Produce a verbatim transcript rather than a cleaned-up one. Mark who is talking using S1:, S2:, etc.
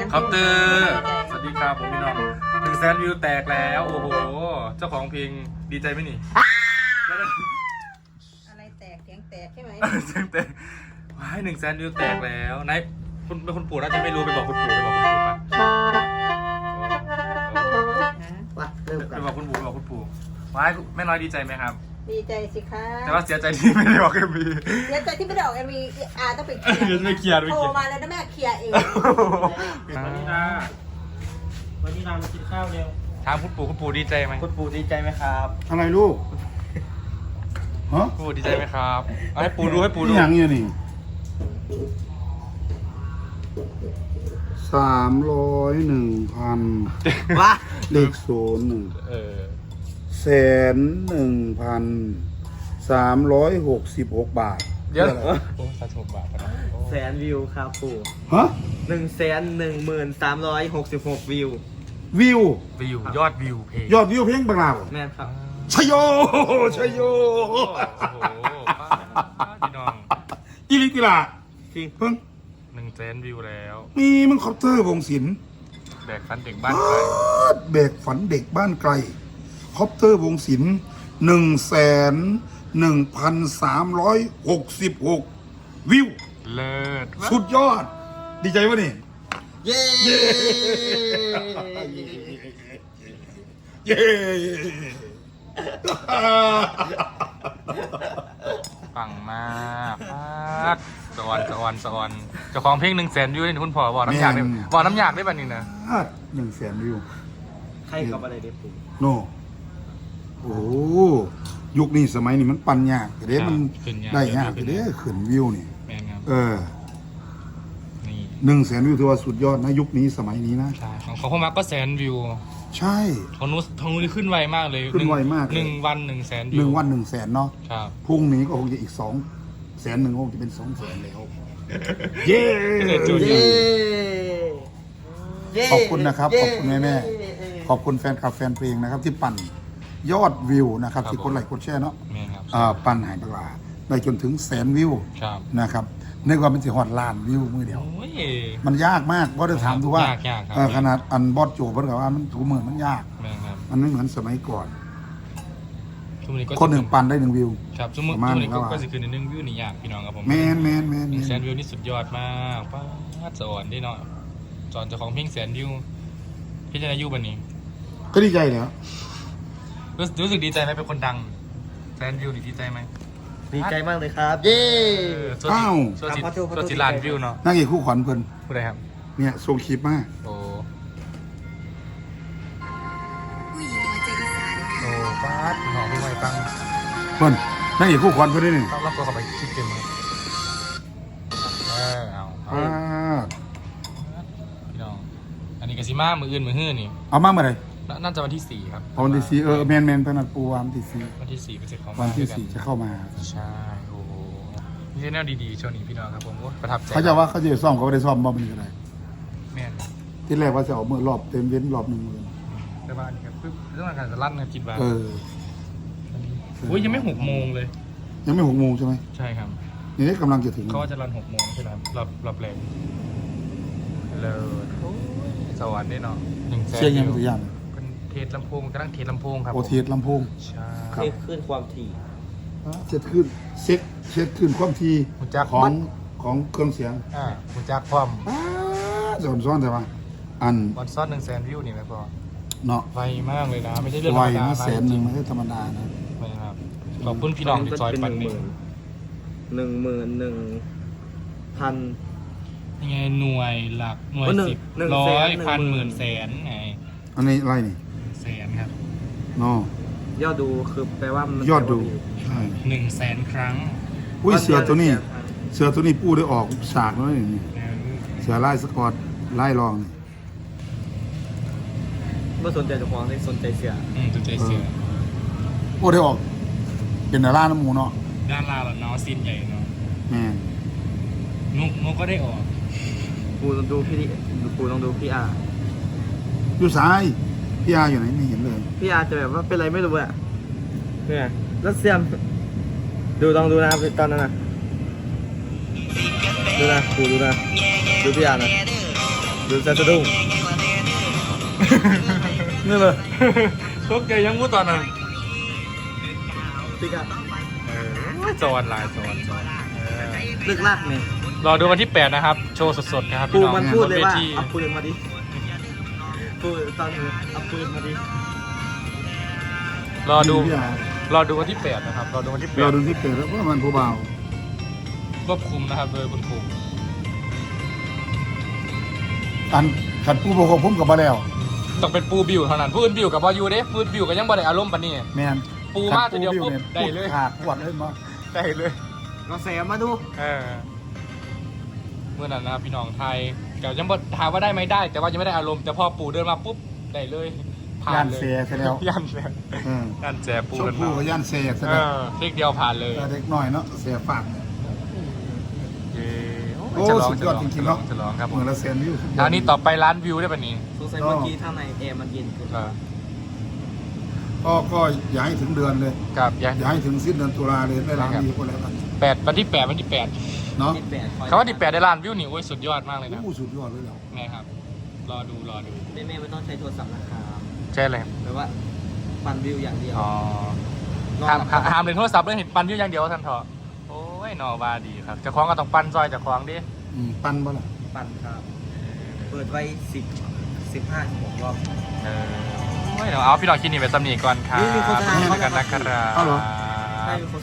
S1: คอปเตอร์สวัสดีครับผมพี่น้องหนึ่งแสนวิวแตกแล้วโอ้โหเจ้าของเพลงดีใจไหมนี่
S2: อะไรแตกเสียงแตกใช่ไหม
S1: เสียงแตกว้ายหนึ่งแสนวิวแตกแล้วนายคุณเป็นคุณปู่น่าจะไม่รู้ไปบอกคุณปู่ไปบอกคุณปู่ปะ
S3: ว่ะเริ่ม
S1: ไป
S3: กัน
S1: บอกคุณปู่ไปบอกคุณปู่ว้ายแม่น้อยดีใจไหมครับ
S2: ดีใจสิคะ
S1: แต่ว่าเสียใจที่ไม่ได้บอกเอ็มวี
S2: เสียใจที่ไม่ได้ออกเอ็มวีอาต้องไปเคลียร์
S1: เดี๋ยวไม่เคลียร์ไม่
S2: โท
S1: เคลียร์
S2: รมาแล้วนะแม่เคลียร์เอง
S3: วันนี้นะวันนี้นามากินข้าวเร็ว
S1: ถามคุณปู่คุณปู่ดีใจไหม
S3: คุณปู่ดีใจไหมครับ
S4: อะไรลูก ฮะ
S1: คุณปู่ดีใจไหมครับเอาให้ปู่ดูให้ปู่ดู
S4: นี่อย่างเงี้ยนี่สามร้อยหนึ่งพัน
S3: ว้า
S4: เลขศูนย์หนึ่ง
S1: เออ
S4: แสนหนึ่งพันสามร้อยหกสิบหกบาท
S1: เดี๋ยวโอ้สาธุบาทนะ
S3: แสนวิวครับปู่
S4: ฮะ
S3: หนึ่งแสนหนึ่งหมื่นสามร้อยหกสิบหกวิว
S4: วิว
S1: วิวยอดวิวเพลง
S4: ยอดวิวเพลงบางลาว
S3: แม่นครับ
S4: ชโยชโย
S1: โอ้โหพี่น้อง
S4: อีลิติลา
S3: จริง
S4: เพิ่ง
S1: หนึ่งแสนวิวแล้ว
S4: มีมึงคอปเตอร์วงศิลป์
S1: แบกฟันเด็กบ้านใคร
S4: เบกฝันเด็กบ้านไกลคอปเตอร์วงศิลป์หนึ่งแสนหนึ่งพันสามร้อยหกสิบหกวิว
S1: เลิศ
S4: สุดยอด ดีใจวะนี่
S3: เย้
S4: เย้เย้
S1: ปังมากมากสวรรค์สวรรค์สวรรค์เจ้าของเพลงหนึ่งแสนวิวนี่คุณพ่อบอกน้ำยากได้บอกน้ำยากได้ป่ะนี่นะ
S4: หนึ่งแสนวิว
S3: ใครกับอะไรเด็กปู่
S4: โนโอ้โหยุคนี้สมัยนี้มันปันยากเด้มันได้ยากเด้ขึ้นวิวนี่
S1: แมนครับ
S4: เออ
S1: นี่
S4: หนึ่งแสนวิวถือว่าสุดยอดนะยุคนี้สมัยนี้นะ
S1: ใช่ของเขาเข้ามาก็แสนวิว
S4: ใช่
S1: ของนู้นของนู้นขึ้นไวมากเลย
S4: ขึ้นไวมาก
S1: หนึ่งวันหนึ่งแสนวิว
S4: หนึ่งวันหนึ่งแสนเนาะ
S1: ครับ
S4: พรุ่งนี้ก็คงจะอีกสองแสนหนึ่งคงจะเป็นสองแสนแล้ว เย้
S3: เย้เย้
S4: ขอบคุณนะครับ ขอบคุณแม่แม่ขอบคุณแฟนคลับแฟนเพลงนะครับ ที่ปั่นยอดวิวนะครับ ที่กดไลค์กดแชร์เนาะ
S1: แมนครับ
S4: อ่าปั่นหายปลาได้จนถึงแสนวิว
S1: ครับ
S4: นะครับในความเป็นสิฮอดล้านวิวมือเดียว
S1: โอ้ย
S4: มันยากมากเพราะได้ถามดูว่าย
S1: ากยากครับ
S4: เอ่อขนาดอันบอสโจเพิ่นก็ว่ามันถูกมือมันยาก
S1: แมนครับ
S4: มันไม่เหมือนสมัยก่อน
S1: ช่วงนี้ก็
S4: คนหนึ่งปั่นได้หนึ่งวิว
S1: ครับช่วง
S4: ประมาณ
S1: นี้ก็
S4: นั้นว่า
S1: ก็สิคือในหนึ่งวิวนี่ยากพี่น้องครับผม
S4: แมนแมนแมน
S1: หนึ่งแส
S4: แม
S1: น
S4: น
S1: วิวนี่สุดยอดมากป้าดสอนได้เนาะสอนเจ้าของเพลงแสนวิวพี่จะอายุบันนี้
S4: ก็ดีใจแล้ว
S1: รู้รู้สึกดีใจไหมเป็นคนดังแสนวิวนี่ดีใจไหม
S3: ดีใจมากเลยครับ เย้
S1: เออส่วนสิส่วนสิส่วนสิล้านวิวเนาะ
S4: นางเอกคู่ขวัญเพิ่น
S1: ผู้ใดครับ
S4: เนี่ยส่งคลิปมา
S1: โอ้โอ้ป้าดหอมพี่ไว้ฟัง
S4: เพิ่นนางเอกคู่ขวัญเพิ่นได้นี่
S1: ต้องรับตัวเข้าไปคลิปเต็มครับเออเอาเอา
S4: อ่า
S1: พี่น้องอันนี้กสิมามืออื่นมือฮื้อนี่
S4: เอามาเมื่อไหร่
S1: น่าน่าจะวันที่สี่ครับ
S4: เอาวันที่สี่เออแมนแมนเพิ่นนัดปูวันที่สี่
S1: วันที่สี่เป็นเสร็จของ
S4: วันที่สี่จะเข้ามา
S1: ใช่โอ้โหนี่ใช่แนวดีๆช่วงนี้พี่น้องครับผมโอ้ประทับใจ
S4: เขาจะว่าเขาจะซ่อมเขาไม่ได้ซ่อมบ่มันก็ได้
S1: แม่น
S4: ที่แรกว่าจะเอามือรอบเต็มเว้นรอบหนึ่งมือ
S1: แต่ว่าอันนี้ครับปึ๊บเรื่องการจะลั่นนะคิดว่า
S4: เออ
S1: อุ้ยยังไม่หกโมงเลย
S4: ยังไม่หกโมงใช่ไหม
S1: ใช่ครับ
S4: นี่กำลังจะถึง
S1: เขาว่าจะรันหกโมงใช่ไหมครับรอบรอบแรงเลยโอ้ยสวรรค์นี่เนาะหนึ่งแสน
S4: เชียร์ยังตัวอย่าง
S1: เป็นเทสลำโพงกำลังเทสลำโพงครับ
S4: โอเทสลำโพง
S1: ใช่
S4: ครับ
S3: เรียกขึ้นความถี่
S4: เช็ดขึ้นเช็คเช็ดขึ้นความที
S1: มุจัก
S4: ของของเครื่องเสียง
S1: อ่ามุจักพร้อม
S4: อ้าโดนซ้อนแต่ว่าอัน
S1: วันซ้อนหนึ่งแสนวิวนี่ไหมพ่อ
S4: เนาะ
S1: ไวมากเลยนะ ไม่ใช่เรื่องธ
S4: ไว
S1: รรมดา
S4: นะ
S1: นะ
S4: แสนหนึ่งไม่ใช่ธรรมดานะ
S1: ไม่ครับขอบคุณพี่น้องที่ซอยปันนี่
S3: หนึ่งหมื่นหนึ่งพัน
S1: ยังไงหน่วยหลักหน่วย
S3: หนึ่ง
S1: สิบ
S3: หนึ่ง
S1: ร้อ
S3: แส
S1: ย
S3: น
S1: พัน
S3: ห
S1: ห
S3: นึ่
S1: มื่
S3: ง
S1: นแสนไง
S4: อันนี้ไรนี่
S1: แสนครับ
S4: เนาะ
S3: ยอดดูคือแปลว่ามัน
S4: ยอดดูใช่
S1: หนึ่งแสนครั้ง
S4: อุ้ยเสือตัวนี้ เสือตัวนี้ปูได้ออกฉากแล้วนี่
S1: นะ
S4: เสือไล่สกอตไล่รองนี่
S3: เมื่อสนใจเจ้าของเลยสนใจเสีย
S1: อืมตัวใจเสือ
S4: โอ้ได้ออก เป็นดาราน้ำหมูเนาะ
S1: ด้านล่างเนาะซีนใหญ่เนาะ
S4: แม่
S1: นุกนุกก็ได้ออก
S3: ปูลองดูพี่ดิปูลองดูพี่อาร์
S4: อยู่ซ้ายพี่อาอยู่ไหนไม่เห็นเลย
S3: พี่อาร์จะแบบว่าเป็นอะไรไม่รู้อะเนี่ยแล้วเสียมดูลองดูนะตอนนั้นนะดูนะปูดูนะดูพี่อาร์นะดูจะสะดุ้ง
S4: นี่เลย
S1: ตกใจยังงูตอนนั้น
S3: ติ๊กอะ
S1: เออจอนลายจอนจอนเออ
S3: ลึกลากเนี่ย
S1: รอดูวันที่แปดนะครับ โชว์สดๆนะครับ
S3: ปู
S1: พี่น้อง
S3: มันพูดเลยว่า
S1: บนวที
S3: เอาปืนมาดิพูดตอนนี้เอาปืนมาดิ
S1: รอดู
S4: พี่อาร
S1: อดูวันที่แปดนะครับ รอดูวันที่แป
S4: เรา
S1: ด
S4: ดูที่เกิดแล้วว่ามันผู้เบา
S1: ควบคุมนะครับโดยคุณครู
S4: อันขัดผู้ปกครองผมกับมาแล้ว
S1: ต้องเป็นปูบิวเท่านั้นปูอื่นบิวกับบอยูเด้ปูอื่นบิวก็ยังบ่ได้อารมณ์ปานนี้
S4: แมน
S1: ปูมาทีเดียวปุ๊บได้เลย
S4: ขาดปวดเลยมา
S1: ได้เลย
S3: เราแซมมาดู
S1: เออเมื่อนั้นนะครับพี่น้องไทยเดี๋ยวยังบ่ถามว่าได้ไหมได้ แต่ว่ายังไม่ได้อารมณ์แต่พอปูเดินมาปุ๊บได้เลยผ่า
S4: ย่าน น
S1: เลย
S4: เสียซะแล้ว
S1: ย่านเสีย
S4: อืม
S1: ย่านแจปู
S4: ชม
S1: เดิน
S4: พู่
S1: มา
S4: กับย่านเสียซะ
S1: เอ
S4: แล้ว
S1: อคลิกเดียวผ่านเลย
S4: แต่เด็กน้อยเนาะเสียฝาก
S1: เย้
S4: โอ้
S1: จะลอง
S4: สุด
S1: จะ
S4: ย
S1: ล
S4: อด
S1: อง
S4: จริ
S1: จะ
S4: งๆ
S1: ลอ
S4: เนาะ
S1: งจะลองครับผ
S4: เมื
S1: ม
S4: องละแสนวิวสุดยอด
S1: ทางนี้ต่อไปร้านวิวได้ปะนี้
S3: สงสัยเมื่อกี้ข้างในแอร์มันเย็นขึ้น
S1: เออ
S4: ก็ก็อย่าให้ถึงเดือนเลย
S1: กับยัง
S4: อย่าให้ถึงสิ้นเดือนตุลาเลยได้ล้านวิวก็แล้วกัน
S1: แปดวันที่แปดวันที่แปด
S4: เนาะ
S3: ที่แปด
S1: คำว่าที่แปดได้ล้านวิวนี่โอ้ยสุดยอดมากเลยนะ
S4: โอ้สุดยอดเลยแล้ว
S1: ไงครับ รอดูรอดู
S3: แม่แม่ไม่ต้องใช้โทรศัพท์นะครับ
S1: ใช่เลย
S3: แปลว่าปั่นวิวอย่างเดียว
S1: อ๋อน
S3: อน
S1: ห้าม
S3: หลับ
S1: ห้ามเล่นโทรศัพท์เลยเห็นปันวิวอย่างเดียวท่านเถอะโอ้ยหนอบาดีครับเจะคล้าของก็ต้องปันซอยเจะคล้าของดิ
S4: อืมปั้นบ่ล่ะ
S3: ปั่นครับ เปิดไว้สิบสิบห้าสิบหกรอบ
S1: เออโอ้ยเดี๋ยวเอาพี่น้องคิดนี่ไปสำนีก่อนครับ
S3: นี่มีโฆษณา
S1: กันนะครับ
S4: เอาเหรอ
S3: ให้เป็นคน